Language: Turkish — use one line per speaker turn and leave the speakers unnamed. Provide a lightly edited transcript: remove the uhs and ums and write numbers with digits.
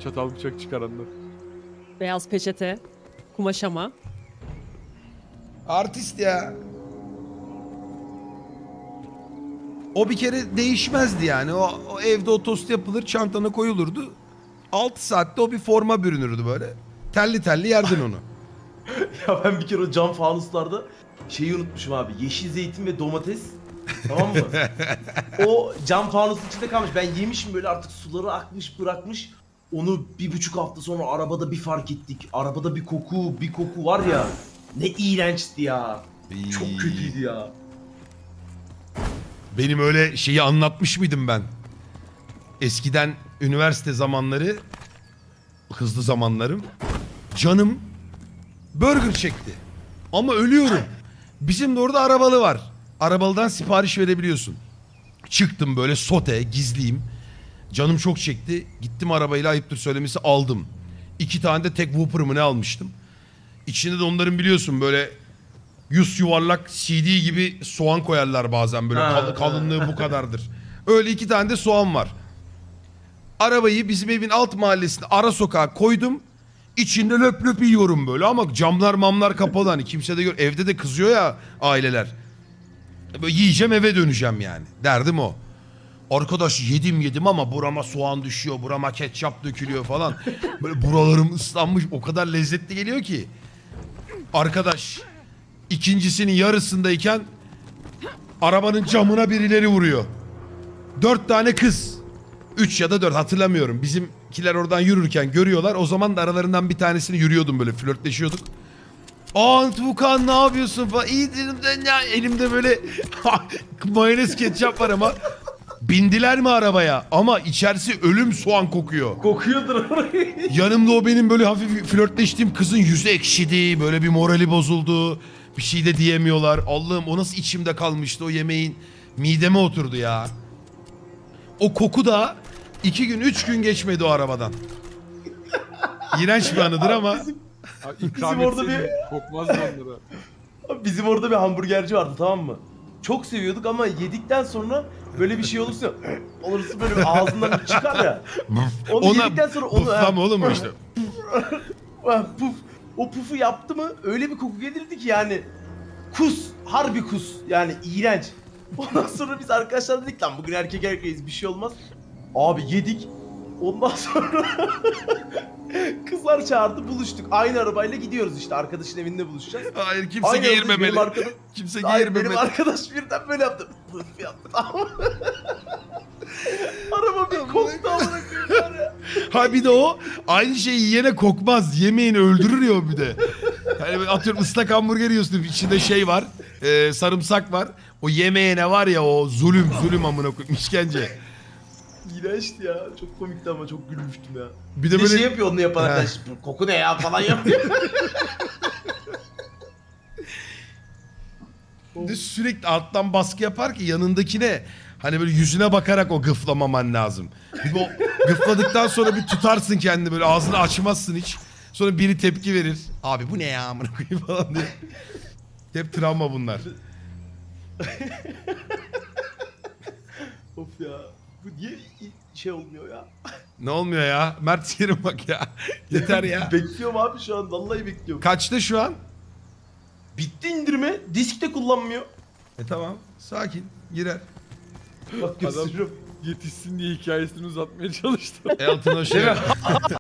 Çatal bıçak çıkaranlar.
Beyaz peçete, kumaşama.
Artist ya. O bir kere değişmezdi yani. O evde o tost yapılır, çantana koyulurdu. 6 saatte o bir forma bürünürdü böyle. Telli telli yerdin onu.
Ya ben bir kere o cam fanuslarda şeyi unutmuşum abi. Yeşil zeytin ve domates. Tamam mı? O cam fanusun içinde kalmış. Ben yemişim böyle, artık suları akmış bırakmış. Onu 1,5 hafta sonra arabada bir fark ettik. Arabada bir koku var ya. Ne iğrençti ya. Çok kötüydü ya.
Benim öyle şeyi anlatmış mıydım ben? Eskiden üniversite zamanları, hızlı zamanlarım, canım burger çekti. Ama ölüyorum. Bizim de orada arabalı var. Arabalıdan sipariş verebiliyorsun. Çıktım böyle sote, gizliyim. Canım çok çekti. Gittim arabayla, ayıptır söylemesi, aldım. 2 tane de tek Whopper mı ne almıştım. İçinde de onların biliyorsun böyle yuvarlak CD gibi soğan koyarlar bazen böyle kalınlığı bu kadardır. Öyle 2 tane de soğan var. Arabayı bizim evin alt mahallesine ara sokağa koydum. İçinde löp löp yiyorum böyle ama camlar mamlar kapalı, hani kimse de evde de kızıyor ya aileler. Böyle yiyeceğim, eve döneceğim yani. Derdim o. Arkadaş yedim ama burama soğan düşüyor, burama ketçap dökülüyor falan. Böyle buralarım ıslanmış, o kadar lezzetli geliyor ki. Arkadaş ikincisinin yarısındayken arabanın camına birileri vuruyor. 4 tane kız. 3 ya da 4 hatırlamıyorum. Bizimkiler oradan yürürken görüyorlar. O zaman da aralarından bir tanesini yürüyordum, böyle flörtleşiyorduk. Aa Tuğkan ne yapıyorsun falan. İyi dedim de ya, elimde böyle mayonez ketçap var ama. Bindiler mi arabaya? Ama içerisi ölüm soğan kokuyor.
Kokuyordur orayı.
Yanımda o benim böyle hafif flörtleştiğim kızın yüzü ekşidi. Böyle bir morali bozuldu. Bir şey de diyemiyorlar. Allah'ım, o nasıl içimde kalmıştı o yemeğin. Mideme oturdu ya. O koku da 2 gün 3 gün geçmedi o arabadan. İğrenç bir anıdır ama.
Abi ikram
Bizim orada
etseydin kokmazdı onlara.
Abi bizim orada bir hamburgerci vardı, tamam mı? Çok seviyorduk ama yedikten sonra böyle bir şey olursa böyle bir ağzından çıkar ya. Onu yedikten sonra onu
Puflama oğlum o işte.
puf, o pufu yaptı mı öyle bir koku gelirdi ki yani harbi kus yani, iğrenç. Ondan sonra biz arkadaşlar dedik lan bugün erkek erkeğiz, bir şey olmaz. Abi yedik. Ondan sonra kızlar çağırdı, buluştuk. Aynı arabayla gidiyoruz işte, arkadaşın evinde buluşacağız.
Hayır, kimse
Aynı yolda
geğirmemeli. Kimse geğirmemeli.
benim arkadaş birden böyle yaptı. Pıf yaptı, tamam mı? Araba bir koktu amına koyayım ya.
Ha bir de o aynı şeyi yiyene kokmaz. Yemeğini öldürür ya o bir de. Yani atıyorum ıslak hamburger yiyorsun, içinde şey var, sarımsak var. O yemeğine var ya, o zulüm amına koyayım, işkence.
İğrençti ya. Çok komikti ama çok gülmüştüm ya.
Bir
Bir
de
de
böyle
şey yapıyor onu yapan arkadaş. Koku ne ya falan yapıyor.
de sürekli alttan baskı yapar ki yanındakine, hani böyle yüzüne bakarak o gıflamaman lazım. Bir de o gıfladıktan sonra bir tutarsın kendini, böyle ağzını açmazsın hiç. Sonra biri tepki verir. Abi bu ne ya amına koyayım falan diye. Hep travma bunlar.
Of ya. Bu niye şey olmuyor ya?
Ne olmuyor ya? Mert sikerim bak ya. Yeter ya.
Bekliyorum abi şu an. Vallahi bekliyorum.
Kaçta şu an?
Bitti indirme. Disk de kullanmıyor.
Tamam. Sakin. Girer.
Bak gösteriyorum.
Yetişsin diye hikayesini uzatmaya çalıştı.
Elton o şey.